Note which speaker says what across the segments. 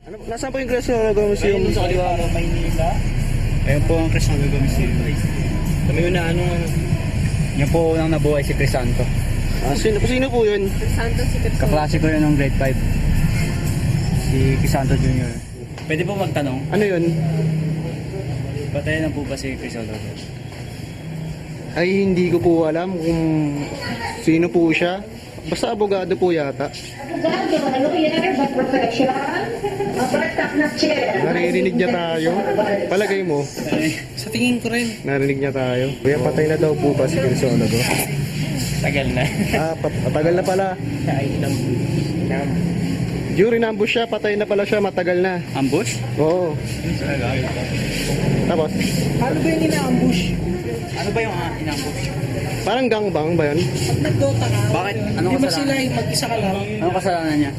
Speaker 1: Ano, nasaan po yung Crisostomo Museum?
Speaker 2: Ayun sa kaliwa mo, Maynila. Ayun po ang Crisostomo Museum. Kami yun na ano. Yan po unang nabuhay si Crisanto.
Speaker 1: Sino po yun?
Speaker 3: Santo si Crisostomo.
Speaker 2: Kaklase ko yun ng grade 5. Si Crisanto Jr. Pwede po magtanong,
Speaker 1: Ano yun?
Speaker 2: patay na po ba si Crisanto?
Speaker 1: Ay, hindi ko po alam kung sino po siya. Basta abogado po yata. Naririnig niya tayo. Palagay mo,
Speaker 3: Sa tingin ko rin.
Speaker 1: narinig niya tayo. Kuya, patay na daw po ba si Crisostomo?
Speaker 2: Tagal na.
Speaker 1: Patagal na pala. During ambush siya, patay na pala siya, matagal na.
Speaker 2: Ambush?
Speaker 1: Oo. Tapos,
Speaker 3: Paano ba yung ina-ambush?
Speaker 2: Ano ba yung inambush?
Speaker 1: parang gangbang ba yun?
Speaker 3: Pag nag-Dota ka,
Speaker 2: Bakit? Anong
Speaker 3: di ba
Speaker 2: kasalanan?
Speaker 3: sila yung mag-isa ka lang?
Speaker 2: Anong kasalanan niya?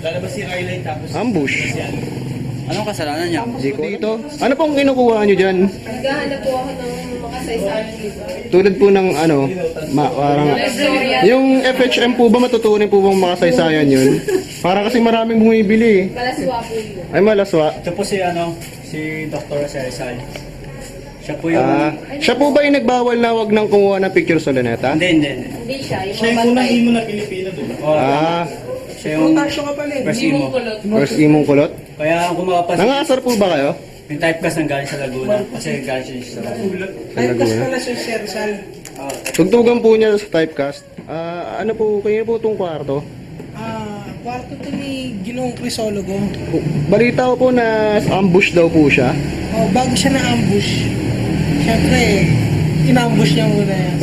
Speaker 1: Ambush.
Speaker 2: Anong kasalanan niya?
Speaker 1: Dito. Ano pong kinukuha nyo dyan?
Speaker 3: Naghahanap po ako ng makasaysayan dito.
Speaker 1: Tulad po ng ano, parang... Yung FHM po ba matutunan po bang makasaysayan yun? Para kasi maraming bumibili.
Speaker 3: Kalaswa po yun.
Speaker 1: Ay, malaswa.
Speaker 2: Ito po si Dr. Rizal. Siya po yung...
Speaker 1: Siya po ba yung nagbawal na wag nang kumuha ng picture sa luneta?
Speaker 2: Hindi.
Speaker 3: Hindi siya, yung mga bantay.
Speaker 2: na Pilipino, diba? Siya yung
Speaker 3: Protasyo ka pala eh.
Speaker 2: first
Speaker 3: Hindi
Speaker 2: imo.
Speaker 3: mong kulot.
Speaker 1: First imong kulot?
Speaker 2: Kaya kung makapansin,
Speaker 1: Nangasar po ba kayo?
Speaker 2: yung typecast ng galing sa Laguna. Kasi galing siya sa Laguna.
Speaker 3: Typecast pala si Sir Rizal.
Speaker 1: Tugtugan po niya sa typecast. Ano po, kayo po itong kwarto?
Speaker 3: Kwarto to ni Ginoong Crisologo.
Speaker 1: Balita ko po na ambush daw po siya.
Speaker 3: Bago siya na-ambush, syempre, in-ambush niya muna yan.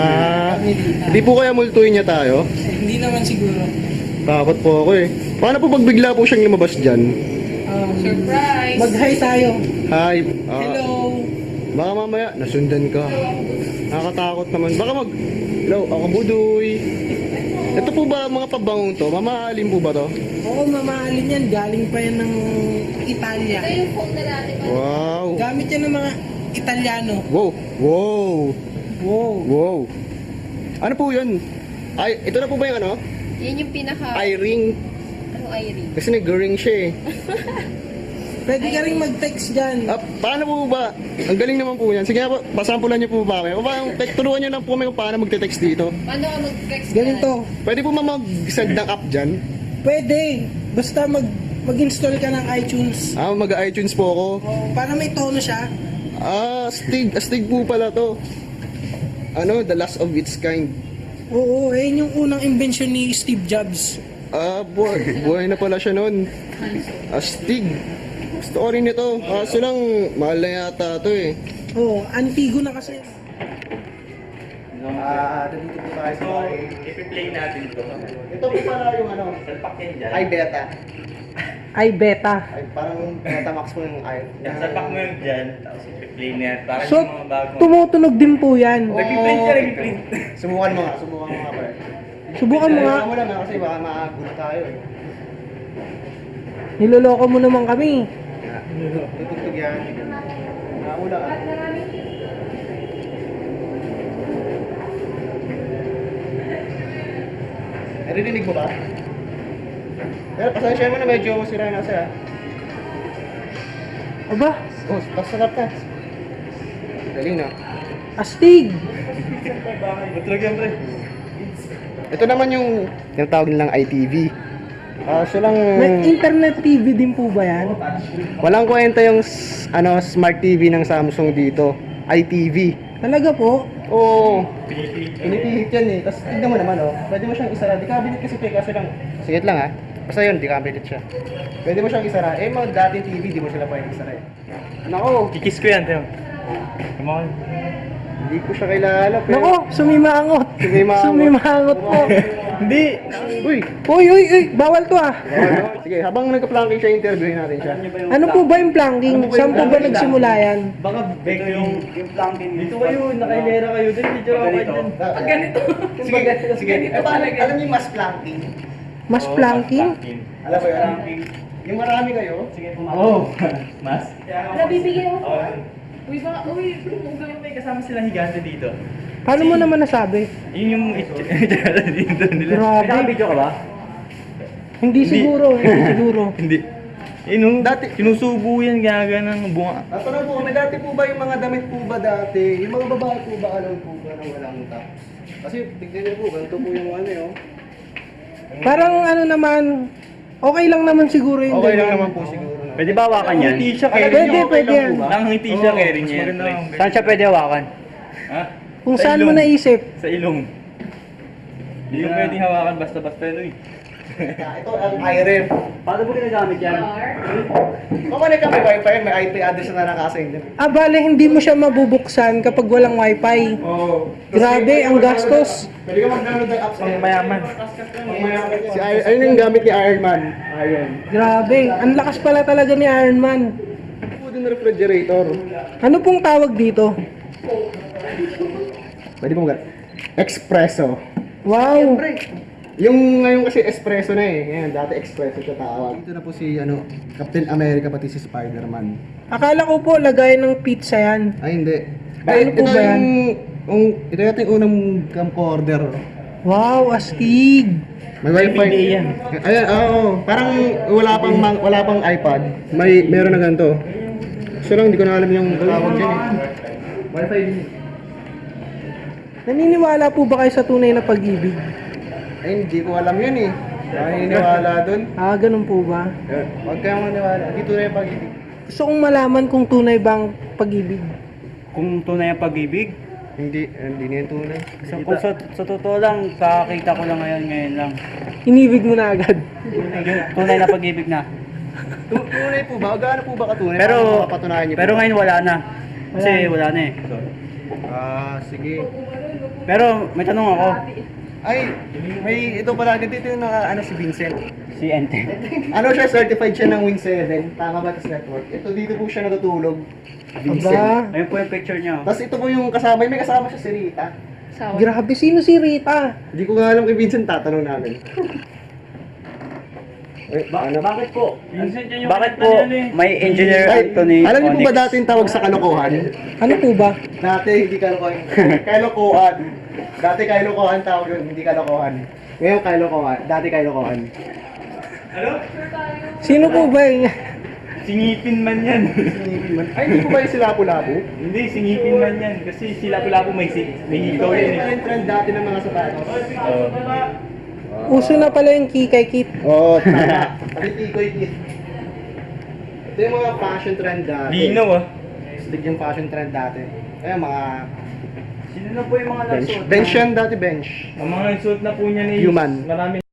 Speaker 1: Hindi po kaya multuin niya tayo?
Speaker 3: Hindi naman siguro.
Speaker 1: Takot po ako eh. Paano po pag bigla po siyang lumabas dyan?
Speaker 3: Surprise! Mag-hi tayo.
Speaker 1: Hi.
Speaker 3: Hello!
Speaker 1: Baka mamaya, nasundan ka. Nakakatakot naman. Baka hello, ako Budoy. Ito po ba mga pabangong to? Mamaalin po ba to?
Speaker 3: Oo, mamaalin yan. Galing pa yan ng Italia.
Speaker 1: Wow.
Speaker 3: Gamit yan ng mga Italiano.
Speaker 1: Wow. Wow.
Speaker 3: Wow.
Speaker 1: Wow. Ano po yun? Ay, ito na po ba yung ano?
Speaker 4: Yan yung pinaka...
Speaker 1: I-ring.
Speaker 4: Ano I-ring?
Speaker 1: Kasi nag-ring siya eh.
Speaker 3: Pwede ka rin mag-text dyan.
Speaker 1: Paano po ba? Ang galing naman po yan. Sige nga po, pasampulan niyo po ba kami? O ba, turuan niyo lang po kami kung paano magte-text dito.
Speaker 4: Paano ka mag-text?
Speaker 3: Ganito.
Speaker 1: Pwede po mag-send ng app dyan?
Speaker 3: Pwede. Basta mag-install ka ng iTunes.
Speaker 1: Mag-iTunes po ako.
Speaker 3: Para may tono siya.
Speaker 1: Astig po pala to. Ano, the last of its kind.
Speaker 3: Oo, yun yung unang invention ni Steve Jobs.
Speaker 1: Buhay na pala siya noon. Astig. Gusto ko rin ito. Kaso lang, mahal na yata ito eh.
Speaker 3: Oo, antigo na kasi.
Speaker 1: Dito po tayo sa
Speaker 2: I-play natin ito.
Speaker 1: Ito po pala yung ano,
Speaker 2: Salpakin dyan.
Speaker 1: iBeta.
Speaker 3: Ay, beta.
Speaker 1: Ay, parang Betamax mo yung
Speaker 2: Salpak mo yun dyan, tapos i-play niya. Para
Speaker 3: So,
Speaker 2: yung mga bagong...
Speaker 3: tumutunog din po yan.
Speaker 2: Nag-print siya, nag-print.
Speaker 1: Subukan mo nga pala.
Speaker 3: Subukan mo nga.
Speaker 1: Mo lang kasi baka makagulo tayo eh.
Speaker 3: Niloloko mo naman kami.
Speaker 1: Tutugtog yan. Nakula ka. Narinig mo ba? Pero pasensya mo na medyo sira na siya.
Speaker 3: Aba,
Speaker 1: Oh, pasarap ka. Galing na.
Speaker 3: astig.
Speaker 2: Matulog yan, pre.
Speaker 1: Ito naman yung tinatawag nilang ITV. Kaso lang,
Speaker 3: May internet TV din po ba yan?
Speaker 1: walang kwenta yung smart TV ng Samsung dito. ITV.
Speaker 3: Talaga po?
Speaker 1: Oo. Pinipilit yan eh. Tapos tignan mo naman oh. Pwede mo siyang isara. Di cabinet kasi ito eh. Kasi lang. Sige lang ha. Basta yun, di cabinet siya. Pwede mo siyang isara. Eh mga dating TV, di mo sila pwede isara eh. Nako,
Speaker 2: Kikis ko yan, Teo. Come on.
Speaker 1: hindi ko siya kilala. Pero...
Speaker 3: Nako, sumimangot.
Speaker 1: Sumimangot.
Speaker 3: Sumimangot po.
Speaker 1: Hindi. Uy.
Speaker 3: Uy, bawal to ah.
Speaker 1: Sige, habang nagka-planking siya, interviewin natin siya.
Speaker 3: Ano po ba yung planking? Saan po ba nagsimula yan?
Speaker 2: Baka ito yung planking. Dito kayo, nakailera kayo. Dito, dito ako kayo dyan.
Speaker 4: Ganito.
Speaker 1: Sige. Eh, paano, alam niyo yung mas planking?
Speaker 3: Mas planking?
Speaker 1: Alam mo yun? Yung marami kayo?
Speaker 2: Sige, oh, mas?
Speaker 4: Nabibigyan ako.
Speaker 2: Uy, baka, kung gawin may kasama silang higante dito.
Speaker 3: Paano mo naman nasabi?
Speaker 2: Yun yung itsura dito nila.
Speaker 3: Grabe.
Speaker 2: May video ka ba?
Speaker 3: Hindi siguro.
Speaker 2: Hindi.
Speaker 1: Dati-
Speaker 2: sinusubo yan, gaga ng bunga.
Speaker 1: Tatanong po, may dati po ba yung mga damit po ba dati? Yung mga babae po ba alam po ba na walang top? Kasi tignan niyo po, ganito po yung ano yun.
Speaker 3: Parang ano naman, okay lang naman siguro yung
Speaker 1: Okay lang
Speaker 3: ganyan.
Speaker 1: naman po siguro. No?
Speaker 2: Pwede ba hawakan yan?
Speaker 1: Hindi siya
Speaker 3: Pwede,
Speaker 1: carry niyo, okay
Speaker 3: pwede
Speaker 1: lang
Speaker 3: yan.
Speaker 1: po ba?
Speaker 2: Nakangiti siya, carry niya. Saan siya pwede hawakan? Ha?
Speaker 3: Kung
Speaker 2: Sa
Speaker 3: saan mo
Speaker 2: ilong.
Speaker 3: naisip.
Speaker 2: Sa ilong. Hindi yung pwedeng hawakan basta-basta no eh.
Speaker 1: Ito ang iRem.
Speaker 2: Paano mo ginagamit yan?
Speaker 1: Kung ano ka may wifi, may IP address na nakasend din.
Speaker 3: Ah, bale, hindi mo siya mabubuksan kapag walang wifi.
Speaker 1: Oo.
Speaker 3: Grabe, ang gastos.
Speaker 1: Pwede ka mag-download ng apps.
Speaker 2: Pang mayaman.
Speaker 1: Si ayun yung gamit ni Iron Man. Iron.
Speaker 3: Grabe, ang lakas pala talaga ni Iron Man.
Speaker 1: Food and refrigerator.
Speaker 3: Ano pong tawag dito?
Speaker 1: Pwede mo mag- Espresso.
Speaker 3: Wow!
Speaker 1: Yung ngayon kasi espresso na eh. Ngayon, dati espresso siya tawag. Dito na po si Captain America pati si Spider-Man.
Speaker 3: Akala ko po lagay ng pizza yan.
Speaker 1: Ay, hindi.
Speaker 3: Ano po ba yan?
Speaker 1: Ito yata yung unang camcorder.
Speaker 3: Wow, astig!
Speaker 1: May wifi.
Speaker 2: yan.
Speaker 1: Ayan, oo. Parang wala pang iPad. Meron na ganito. So lang, hindi ko na alam yung tawag dyan eh. Wifi din.
Speaker 3: Naniniwala po ba kayo sa tunay na pag-ibig?
Speaker 1: Ay, hindi ko alam yun eh. Naniniwala dun.
Speaker 3: Ah, ganun po ba?
Speaker 1: Huwag kayong maniwala. Hindi tunay ang pag-ibig.
Speaker 3: Gusto kong malaman kung tunay bang pag-ibig.
Speaker 2: Kung tunay ang pag-ibig,
Speaker 1: Hindi na yung tunay.
Speaker 2: kung sa totoo lang, kakakita ko lang ngayon lang.
Speaker 3: Inibig mo na agad.
Speaker 2: Yung tunay na pag-ibig na.
Speaker 1: Tunay po ba? Gaano po ba katunay?
Speaker 2: Pero,
Speaker 1: Paano mapapatunayan niyo po?
Speaker 2: pero ngayon wala na. Kasi wala na eh.
Speaker 1: Sige.
Speaker 2: Pero may tanong ako.
Speaker 1: Ay, may ito pala. Dito yung si Vincent.
Speaker 2: Si Ente.
Speaker 1: Ano siya, certified siya ng Win 7. Tama ba ito network? Ito dito po siya natutulog. Vincent.
Speaker 3: Aba,
Speaker 2: Ayun po yung picture niya.
Speaker 1: Tapos ito po yung kasama, may kasama siya si Rita.
Speaker 4: Sawa.
Speaker 3: grabe, sino si Rita?
Speaker 1: Hindi ko nga alam kay Vincent, tatanong namin.
Speaker 2: Bakit po? Bakit po may engineer
Speaker 1: Ay,
Speaker 2: Anthony
Speaker 1: alam niyo po ba
Speaker 2: Onyx?
Speaker 1: dati yung tawag sa kalokohan?
Speaker 3: Ano po ba?
Speaker 1: Dati hindi kalokohan. Kalokohan. Dati kalokohan tawag yun, hindi kalokohan. Ngayon kalokohan. Dati kalokohan.
Speaker 3: Sino po ba yun?
Speaker 2: Singipin man yan.
Speaker 1: Ay, hindi po ba yung sila Lapu-Lapu?
Speaker 2: Hindi, singipin man yan. Kasi sila pala po may hikaw
Speaker 1: Ito
Speaker 2: yan eh.
Speaker 1: yung trend dati ng mga sapatos.
Speaker 3: Uso na pala yung kikay kit.
Speaker 1: Oo, tama. Pati tikoy kit. Ito yung mga fashion trend dati.
Speaker 2: Linaw ah.
Speaker 1: Stig yung fashion trend dati. Ayan, mga
Speaker 2: Sino na po yung mga
Speaker 1: bench.
Speaker 2: nagsuot?
Speaker 1: Bench yan dati, bench.
Speaker 2: Ang mga nagsuot na po niya ni
Speaker 1: Human.
Speaker 2: Marami